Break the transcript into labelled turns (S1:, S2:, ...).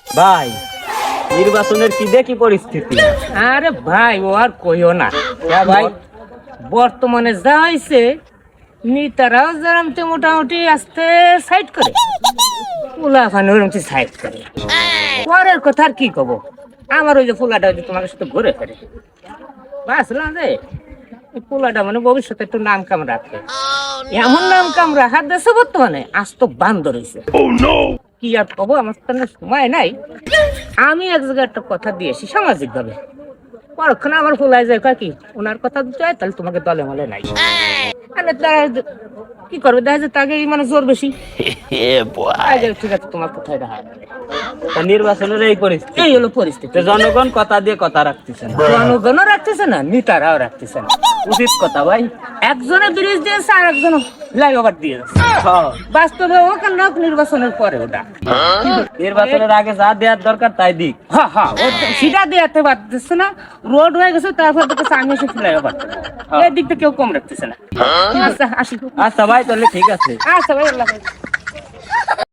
S1: ভাই নির্বাচনের কি দেখি পরিস্থিতি?
S2: আরে ভাই ও আর কইও না
S1: হ্যাঁ ভাই,
S2: বর্তমানে যা হয়েছে নেতারাও যেরকম মোটামুটি আস্তে সাইড করে ফুলাফানি ওরকম সাইড করে পরের কথা আর কি কব। আমার ওই যে ফুলাটা ওই যে তোমার সাথে ঘুরে ফেরে বাসলাম যে এই পোলাটা মানে ভবিষ্যতে একটু নাম কাম রাখবে, এমন নাম কাম রাখার দেশে বর্তমানে আজ তো বান্দর হয়েছে। কি আর কব, আমার তো সময় নাই। আমি এক জায়গায় একটা কথা দিয়েছি সামাজিক ভাবে, পরক্ষণে আমার ফুলাই যায় কি ওনার কথা দিতে হয় তাহলে তোমাকে দলে মলে নাই। মানে তারা কি করবে, দেখা যায় তাকে মানে জোর বেশি। ঠিক আছে তোমার কোথায় দেখা
S1: তা নির্বাচনের এই পরিস্থিতি,
S2: এই হলো পরিস্থিতি।
S1: তো জনগণ কথা দিয়ে কথা রাখতেছে না,
S2: জনগণও রাখতেছে না, নেতারাও রাখতেছে না।
S1: উচিত কথা ভাই।
S2: একজনে ব্রিজ দিয়েছে আর একজন ফ্লাইওভার দিয়েছে। বাস্তবে ওখানে নির্বাচনের পরে ওটা
S1: নির্বাচনের আগে যা দেওয়ার দরকার তাই দিক।
S2: সেটা দেওয়াতে পারতেছে না, রোড হয়ে গেছে তারপর দেখতেছে আমি এসে ফ্লাইওভার এই দিকটা কেউ কম রাখতেছে না। আচ্ছা আসি।
S1: আচ্ছা ভাই তাহলে ঠিক আছে।
S2: আচ্ছা ভাই আল্লাহ হাফেজ।